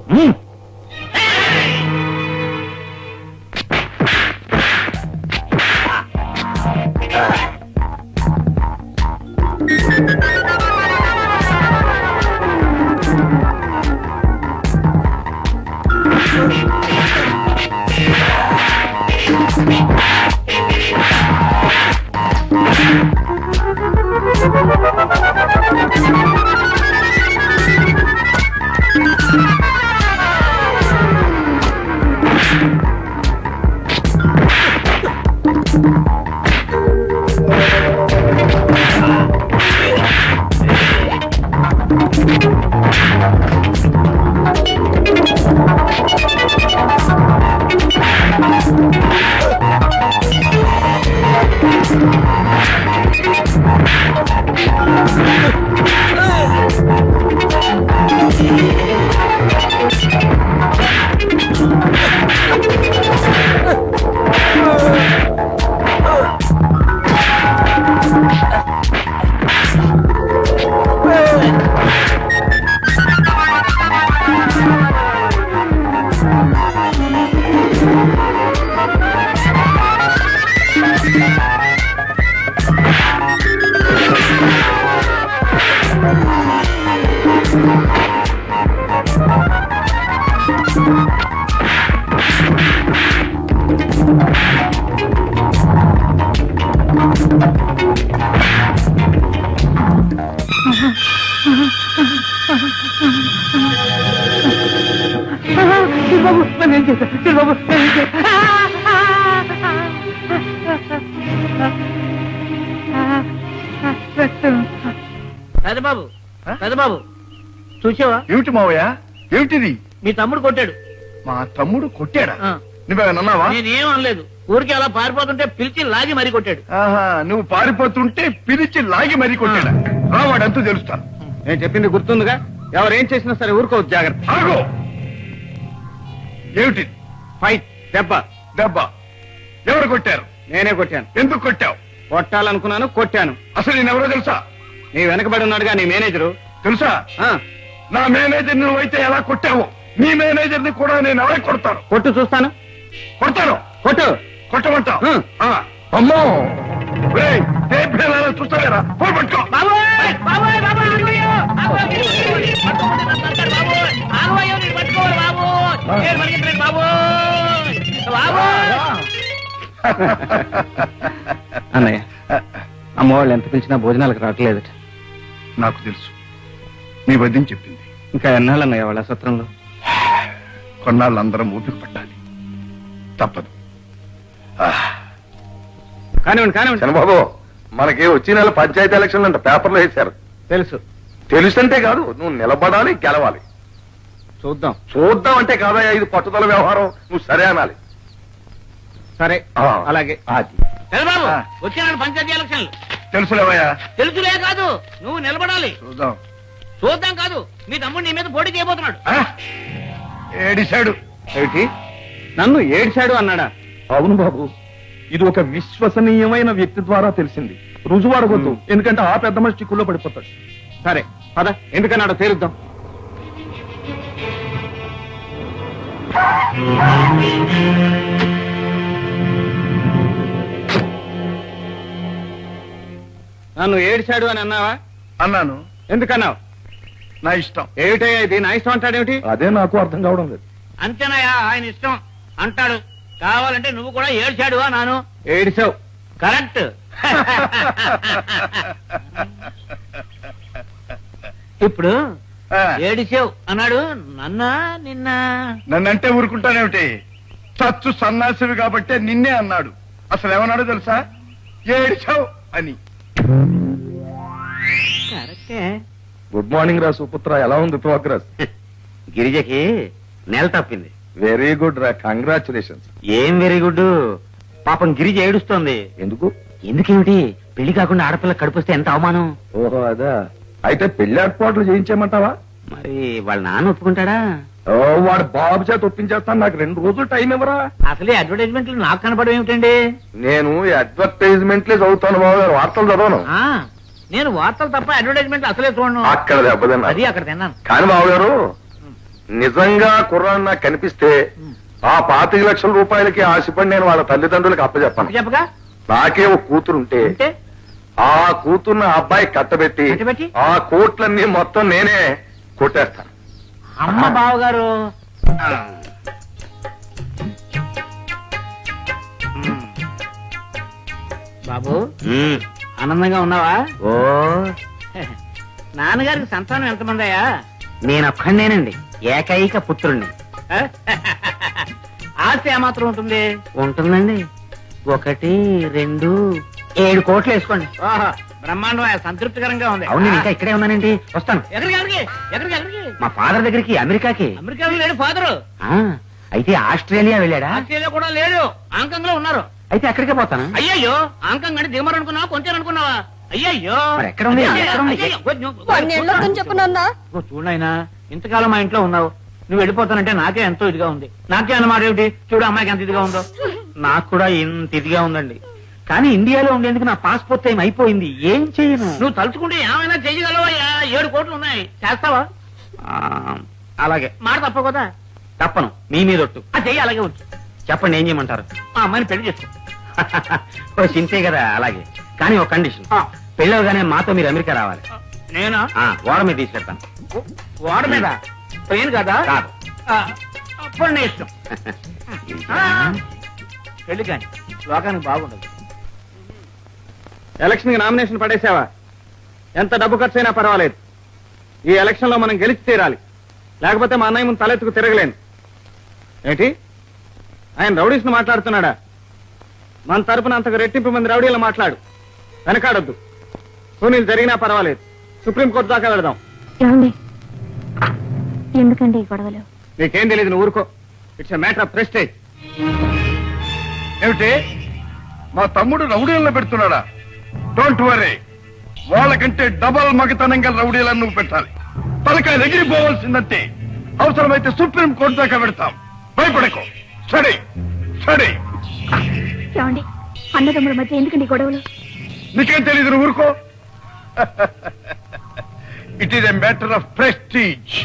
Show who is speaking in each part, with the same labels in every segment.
Speaker 1: పెదబాబు పెదబాబు చూసావా?
Speaker 2: ఏమిటి మావయ్య, ఏమిటిది?
Speaker 1: మీ తమ్ముడు కొట్టాడు.
Speaker 2: మా తమ్ముడు కొట్టాడా? నువ్వేమన్నావా?
Speaker 1: నేనేం అనలేదు, ఊరికి అలా పారిపోతుంటే పిలిచి లాగి మరీ కొట్టాడు.
Speaker 2: ఆహా, నువ్వు పారిపోతుంటే పిలిచి లాగి మరీ కొట్టాడా? రావాడంతూ తెలుస్తాను.
Speaker 3: నేను చెప్పింది గుర్తుందిగా, ఎవరేం చేసినా సరే ఊరుకోవద్దు, జాగ్రత్త.
Speaker 2: ఆగో, ఏమిటి?
Speaker 3: ఫైట్, దెబ్బ.
Speaker 2: దెబ్బ ఎవరు కొట్టారు?
Speaker 3: నేనే కొట్టాను.
Speaker 2: ఎందుకు కొట్టావు?
Speaker 3: కొట్టాలనుకున్నాను, కొట్టాను.
Speaker 2: అసలు నేనెవరో తెలుసా?
Speaker 3: నీ వెనకబడి ఉన్నాడుగా నీ మేనేజరు.
Speaker 2: తెలుసా? నా మేనేజర్ నువ్వైతే ఎలా కొట్టావు, నీ మేనేజర్ ని కూడా నేను ఎలా కొడతాను?
Speaker 3: కొట్టు చూస్తాను.
Speaker 2: కొడతాను.
Speaker 3: కొట్టు.
Speaker 2: కొట్టమంటా? అమ్మో, చూస్తావేరా? పట్టుకో.
Speaker 3: అన్నయ్య, అమ్మవాళ్ళు ఎంత పిలిచినా భోజనాలకు రావట్లేదట.
Speaker 2: నాకు తెలుసు, మీ వద్దని చెప్పింది.
Speaker 3: ఇంకా ఎన్నాళ్ళు అన్నయ్య వాళ్ళ సత్రంలో?
Speaker 2: కొన్నాళ్ళు అందరం ఊపిరి పట్టాలి, తప్పదు.
Speaker 3: కానివ్వండి కానివ్వండి.
Speaker 4: చంద్రబాబు, మనకి వచ్చే నెల పంచాయతీ ఎలక్షన్లు అంట, పేపర్లో వేశారు.
Speaker 3: తెలుసు.
Speaker 4: తెలుసంటే కాదు, నువ్వు నిలబడాలి, గెలవాలి.
Speaker 3: చూద్దాం.
Speaker 4: చూద్దాం అంటే కాదయ్యా, ఇది పట్టుదల వ్యవహారం. నువ్వు సరే అనాలి.
Speaker 3: సరే, అలాగే.
Speaker 1: పెదబాబు, వచ్చే పంచాయతీ ఎలక్షన్లు.
Speaker 2: తెలుసులేవయ్యా?
Speaker 1: తెలుసులే కాదు, నువ్వు నిలబడాలి.
Speaker 2: చూద్దాం.
Speaker 1: చూద్దాం కాదు, మీ తమ్ముడు నీ మీద పోటీ చేయబోతున్నాడు.
Speaker 2: ఏడిశాడు.
Speaker 3: ఏమిటి, నన్ను ఏడ్చాడు అన్నాడా?
Speaker 4: అవును బాబు, ఇది ఒక విశ్వసనీయమైన వ్యక్తి ద్వారా తెలిసింది. రుజువాడవద్దు, ఎందుకంటే ఆ పెద్ద మనిషి చిక్కుల్లో పడిపోతాడు.
Speaker 3: సరే పద, ఎందుకన్నాడో తేలుద్దాం. నన్ను ఏడ్చాడు అని అన్నావా?
Speaker 2: అన్నాను.
Speaker 3: ఎందుకన్నావు?
Speaker 2: నా ఇష్టం.
Speaker 3: ఏమిటయ్యా ఇది, నా ఇష్టం అంటాడేమిటి?
Speaker 4: అదే నాకు అర్థం కావడం లేదు.
Speaker 1: అంతేనాయా, ఆయన ఇష్టం అంటాడు. కావాలంటే నువ్వు కూడా ఏడ్చాడు నాను.
Speaker 3: ఏడిచావు.
Speaker 1: కరెక్ట్. ఇప్పుడు ఏడిసావు అన్నాడు. నిన్న
Speaker 2: నన్నంటే ఊరుకుంటానేమిటి? చచ్చు సన్నాసివి కాబట్టే నిన్నే అన్నాడు. అసలు ఏమన్నాడో తెలుసా? ఏడిచావు అని.
Speaker 1: కరెక్టే.
Speaker 4: గుడ్ మార్నింగ్ రా సుపుత్ర, ఎలా ఉంది ప్రోగ్రెస్?
Speaker 5: గిరిజకి నెల తప్పింది.
Speaker 4: వెరీ గుడ్ రా, కంగ్రాచులేషన్స్.
Speaker 5: ఏం వెరీ గుడ్? పాపం గిరిజ ఏడుస్తోంది.
Speaker 4: ఎందుకు?
Speaker 5: ఎందుకేమిటి, పెళ్లి కాకుండా ఆడపిల్ల కడుపుస్తే ఎంత అవమానం.
Speaker 4: ఓహో అదా, అయితే పెళ్లి ఏర్పాట్లు చేయించేయమంటావా?
Speaker 5: మరి వాళ్ళ నాన్న ఒప్పుకుంటాడా?
Speaker 4: ఓ, వాడు బాబు చేత ఒప్పించేస్తాను, నాకు 2 రోజులు టైం ఇవ్వరా?
Speaker 1: అసలే అడ్వర్టైజ్మెంట్లు నాకు కనపడడం ఏమిటండి?
Speaker 4: నేను అడ్వర్టైజ్మెంట్లే చదువుతాను బాబు గారు, వార్తలు చదవను.
Speaker 1: నేను వార్తలు తప్ప అడ్వర్టైజ్మెంట్ అసలే చూడను.
Speaker 4: అక్కడ దెబ్బతిన్నా.
Speaker 1: అది అక్కడ తిన్నాను.
Speaker 4: కానీ బాబు గారు,
Speaker 2: నిజంగా కుర్రాడు నాకు కనిపిస్తే ఆ 25 లక్షల రూపాయలకి ఆశపడి నేను వాళ్ళ తల్లిదండ్రులకు అప్పచెప్పాను.
Speaker 1: చెప్పగా
Speaker 2: నాకే ఒక కూతురుంటే
Speaker 1: అంటే
Speaker 2: ఆ కూతుర్ని ఆ అబ్బాయి కట్టబెట్టి
Speaker 1: కట్టబెట్టి?
Speaker 2: ఆ కోట్లన్నీ మొత్తం నేనే కొట్టేస్తాను.
Speaker 1: అమ్మ బావగారు బాబు ఆనందంగా ఉన్నావా?
Speaker 5: ఓ
Speaker 1: నాన్నగారికి సంతానం ఎంతమంది అయ్యా?
Speaker 5: నేనొక్కడేనండి, ఏకైక పుత్రుణ్ణి.
Speaker 1: ఆస్తి ఏమాత్రం ఉంటుంది?
Speaker 5: ఉంటుందండి 1, 2, 7 కోట్లు వేసుకోండి.
Speaker 1: ఓహో బ్రహ్మాండం, సంతృప్తికరంగా ఉంది.
Speaker 5: అవును, నేను ఇంకా ఇక్కడే ఉన్నానండి, వస్తాను.
Speaker 1: ఎక్కడికి ఎక్కడికి ఎక్కడికి ఎక్కడికి?
Speaker 5: మా ఫాదర్ దగ్గరికి, అమెరికాకి.
Speaker 1: అమెరికాలో లేడు ఫాదరు.
Speaker 5: ఆ, అయితే ఆస్ట్రేలియా వెళ్ళాడా?
Speaker 1: ఆస్ట్రేలియా కూడా లేడు, హాంకాంగ్ లో ఉన్నారు.
Speaker 5: అయితే అక్కడికే పోతాను.
Speaker 1: అయ్యయ్యో, హాంకాంగ్ అంటే దిగమరు అనుకున్నావా, కొంచెం అనుకున్నావా? అయ్యయ్యో,
Speaker 5: మరి ఎక్కడ ఉంది? ఎక్కడ ఉంది?
Speaker 6: చెప్పు నాన్న.
Speaker 1: చూడైనా ఇంతకాలం మా ఇంట్లో ఉన్నావు, నువ్వు వెళ్ళిపోతానంటే నాకే ఎంతో ఇదిగా ఉంది. నాకే అన్నమాట ఏమిటి? చూడు అమ్మాయికి ఎంత ఇదిగా ఉందో.
Speaker 5: నాకు కూడా ఇంత ఇదిగా ఉందండి, కానీ ఇండియాలో ఉండేందుకు నా పాస్పోర్ట్ టైం అయిపోయింది. ఏం చేయను?
Speaker 1: నువ్వు తలుచుకుంటే ఏమైనా చెయ్యగలవా? 7 కోట్లు ఉన్నాయి, చేస్తావా?
Speaker 5: ఆ, అలాగే.
Speaker 1: మాట తప్ప కదా.
Speaker 5: తప్పను, మీ మీద ఒట్టు.
Speaker 1: ఆ చెయ్యి అలాగే ఉంచు.
Speaker 5: చెప్పండి, ఏం చేయమంటారు?
Speaker 1: మా అమ్మాయిని పెళ్లి చేసుకో.
Speaker 5: ఓ చింతే కదా, అలాగే. కానీ ఒక కండిషన్,
Speaker 1: ఆ,
Speaker 5: పెళ్ళవగానే మాతో మీరు అమెరికా రావాలి.
Speaker 1: నేనా?
Speaker 5: ఓడ మీద తీసుకెళ్తాను.
Speaker 1: వాడ మీద ట్రైన్ కదా?
Speaker 5: కాదు.
Speaker 1: అప్పుడు నీ ఇష్టం. పెళ్లి కానీ లోకానికి బాగుండదు.
Speaker 4: ఎలక్షన్ కి నామినేషన్ పడేసావా? ఎంత డబ్బు ఖర్చు అయినా పర్వాలేదు, ఈ ఎలక్షన్ లో మనం గెలిచి తీరాలి, లేకపోతే మా అన్నయ్య ముందు తలెత్తుకు తిరగలేను. ఏంటి, ఆయన రౌడీస్ మాట్లాడుతున్నాడా? మన తరపున అంతకు రెట్టింపు మంది రౌడీలు మాట్లాడు, వెనకాడొద్దు. సునీల్ జరిగినా పర్వాలేదు, సుప్రీంకోర్టు దాకా వెళదాం.
Speaker 6: ఏమండి, ఎందుకండి ఈ గొడవలు?
Speaker 4: నీకేం తెలియదు, నువ్వు ఊరుకో. It's a matter of prestige.
Speaker 2: ఏమిటి, మా తమ్ముడు రౌడీలను పెడుతున్నాడా? డోంట్ వరీ, వాళ్ళకంటే డబల్ మగతనంగా రౌడీలను నువ్వు పెట్టాలి. తలకాయ ఎగిరిపోవాల్సిందంటే అవసరమైతే సుప్రీం కోర్టు దాకా పెడతాం. భయపడకు. Study study.
Speaker 6: ఏమండి, అన్నదమ్ముల మధ్య ఎందుకండి ఈ గొడవలు?
Speaker 2: నీకేం తెలీదు, నువ్వు ఊరుకో. It is a matter of prestige.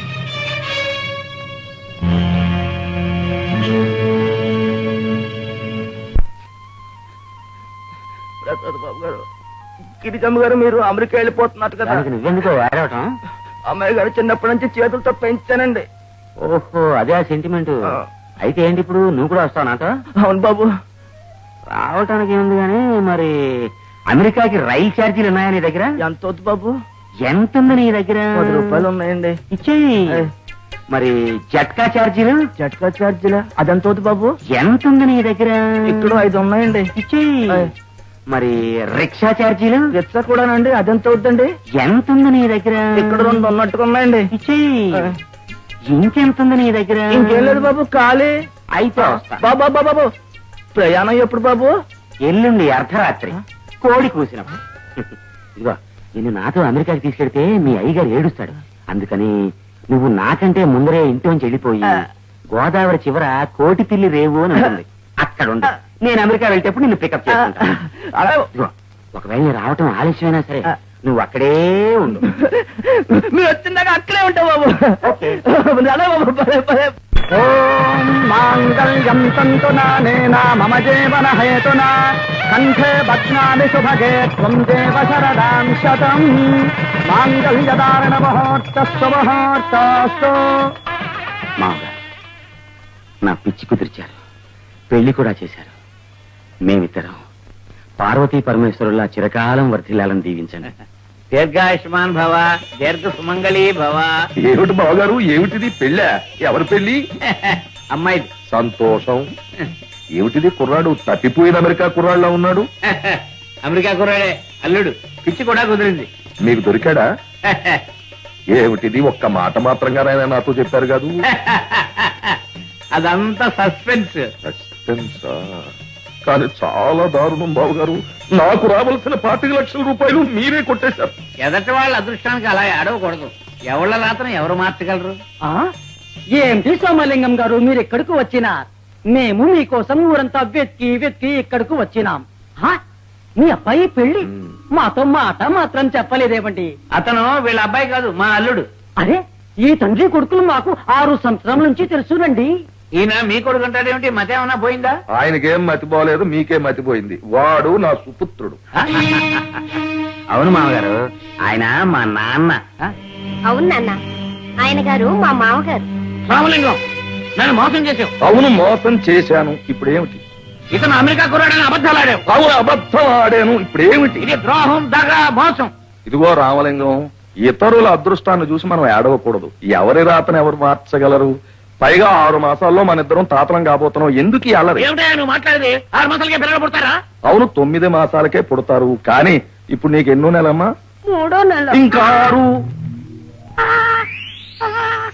Speaker 4: Prasad Babu garu, Girijamma గారు, మీరు అమెరికా వెళ్ళిపోతున్నారు కదా?
Speaker 5: దానికి నువ్వెందుకో ఏడవటం?
Speaker 4: అమ్మాయి గారు చిన్నప్పటి నుంచి చేతులతో పెంచానండి.
Speaker 5: ఓహో, అదే ఆ సెంటిమెంట్. అయితే ఏంటి ఇప్పుడు, నువ్వు కూడా వస్తావు నాతో?
Speaker 4: అవును బాబు.
Speaker 5: రావటానికి ఏముంది గానీ, మరి అమెరికాకి రైలు ఛార్జీలు ఉన్నాయా నీ దగ్గర?
Speaker 4: ఎంత వద్దు బాబు?
Speaker 5: ఎంత ఉంది నీ దగ్గర?
Speaker 4: 10 రూపాయలు ఉన్నాయండి.
Speaker 5: ఇచ్చేయి. మరి జట్కా ఛార్జీలు?
Speaker 4: జట్కా ఛార్జీలా? అదెంత వద్దు బాబు?
Speaker 5: ఎంత ఉంది నీ దగ్గర?
Speaker 4: ఇక్కడ 5 ఉన్నాయండి.
Speaker 5: ఇచ్చేయి. మరి రిక్షా ఛార్జీలు?
Speaker 4: రిక్షా కూడానండి, అదెంత వద్దండి?
Speaker 5: ఎంత ఉంది నీ దగ్గర?
Speaker 4: ఇక్కడ 2 ఉన్నట్టుగా ఉన్నాయండి.
Speaker 5: ఇచ్చేయి. ఇంకెంత ఉంది నీ దగ్గర?
Speaker 4: ఇంకేం లేదు బాబు, ఖాళీ.
Speaker 5: అయితే వస్తా.
Speaker 4: బాబా బాబు, ప్రయాణం ఎప్పుడు బాబు?
Speaker 5: ఎల్లుండి అర్ధరాత్రి, కోడి కూసినప్పుడు. ఇదిగో, నిన్ను నాతో అమెరికాకి తీసుకెడితే మీ అయ్యగారు ఏడుస్తాడు. అందుకని నువ్వు నాకంటే ముందరే ఇంట్లోంచి వెళ్ళిపోయి గోదావరి చివర కోటి పిల్లి రేవు అని ఉంటుంది, అక్కడ ఉండు. నేను అమెరికా వెళ్తేప్పుడు నిన్ను పికప్ చేసుకుంటాను. ఇదిగో, ఒకవేళ నేను రావటం ఆలస్యమైనా సరే నువ్వు అక్కడే ఉండు.
Speaker 4: మీరు వచ్చిందాక అక్కడే ఉంటావు బాబు. అలా బాబు, పదే పదే. ఓం మాంగళ్యం తంతునా మమ జీవన హేతునా కంఠే బధ్నామి శుభగే త్వం దేవ శరదాం శతం మాంగళ్యధారణ ముహూర్తస్సు ముహూర్తస్తు.
Speaker 5: మామగారు నా పిచ్చి కుదిర్చారు, పెళ్లి కూడా చేశారు. మేమిద్దరం పార్వతీ పరమేశ్వరుల్లా చిరకాలం వర్ధిల్లాలని దీవించండి.
Speaker 1: దీర్ఘాయుష్మాన్ భవ, దీర్ఘ సుమంగళీ భవ.
Speaker 2: ఏమిటి బావగారు, ఏమిటిది పెళ్ళా? ఎవరి పెళ్లి?
Speaker 1: అమ్మాయి
Speaker 2: సంతోషం. ఏమిటిది, కుర్రాడు తప్పిపోయిన అమెరికా కుర్రాడులా ఉన్నాడు?
Speaker 1: అమెరికా కుర్రాడే, అల్లుడు. పిచ్చి కూడా కుదిరింది.
Speaker 2: మీకు దొరికాడా? ఏమిటిది, ఒక్క మాట మాత్రంగానైనా నాతో చెప్పారు కాదు?
Speaker 1: అదంతా సస్పెన్స్.
Speaker 2: సస్పెన్సా? కానీ చాలా దారుణం బావగారు, నాకు రావాల్సిన 25 లక్షల రూపాయలు మీరే కొట్టేశారు.
Speaker 1: ఎదటి వాళ్ళ అదృష్టానికి అలా ఆడవకూడదు. ఎవళ్ళ రాత్రం ఎవరు మార్చగలరు?
Speaker 7: ఏంటి సోమలింగం గారు, మీరు ఎక్కడికి వచ్చినా మేము మీకోసం ఊరంతా వెతికి వెతికి ఇక్కడికి వచ్చినాం. మీ అబ్బాయి పెళ్లి మాతో మాట మాత్రం చెప్పలేదేమండి?
Speaker 1: అతను వీళ్ళ అబ్బాయి కాదు, మా అల్లుడు.
Speaker 7: అరే, ఈ తండ్రి కొడుకులు మాకు 6 సంవత్సరాల నుంచి తెలుసునండి.
Speaker 1: ఈయన మీ కొడుకు అంటాడేమిటి? మతేమన్నా పోయిందా?
Speaker 2: ఆయనకేం మతిపోలేదు, మీకే మతిపోయింది. వాడు నా సుపుత్రుడు.
Speaker 5: అవును మామగారు, ఆయన మా నాన్న.
Speaker 6: అవును నాన్న, ఆయన గారు మా మామగారు.
Speaker 1: రామలింగం, నన్ను మోసం చేసావు.
Speaker 2: అవును, మోసం చేశాను. ఇప్పుడేమిటి?
Speaker 1: ఇతను అమెరికా కుర్రాడని అబద్ధాలు ఆడావు.
Speaker 2: అవును, అబద్ధం ఆడాను. ఇప్పుడేమిటి?
Speaker 1: ఇది ద్రోహం, దగా, మోసం.
Speaker 2: ఇదిగో రామలింగం, ఇతరుల అదృష్టాన్ని చూసి మనం ఏడవకూడదు. ఎవరి రాతను ఎవరు మార్చగలరు? పైగా 6 మాసాల్లో మన ఇద్దరం తాతలం కాబోతున్నాం. ఎందుకు ఈ అల్లరి?
Speaker 1: ఏమిటా నువ్వు మాట్లాడేది? 6 మాసాలకే పిల్లలు పుడతారా?
Speaker 2: అవును, 9 మాసాలకే పుడతారు. కానీ ఇప్పుడు నీకు ఎన్నో నెలమ్మా?
Speaker 6: 3వ నెల.
Speaker 2: ఇంకా 6.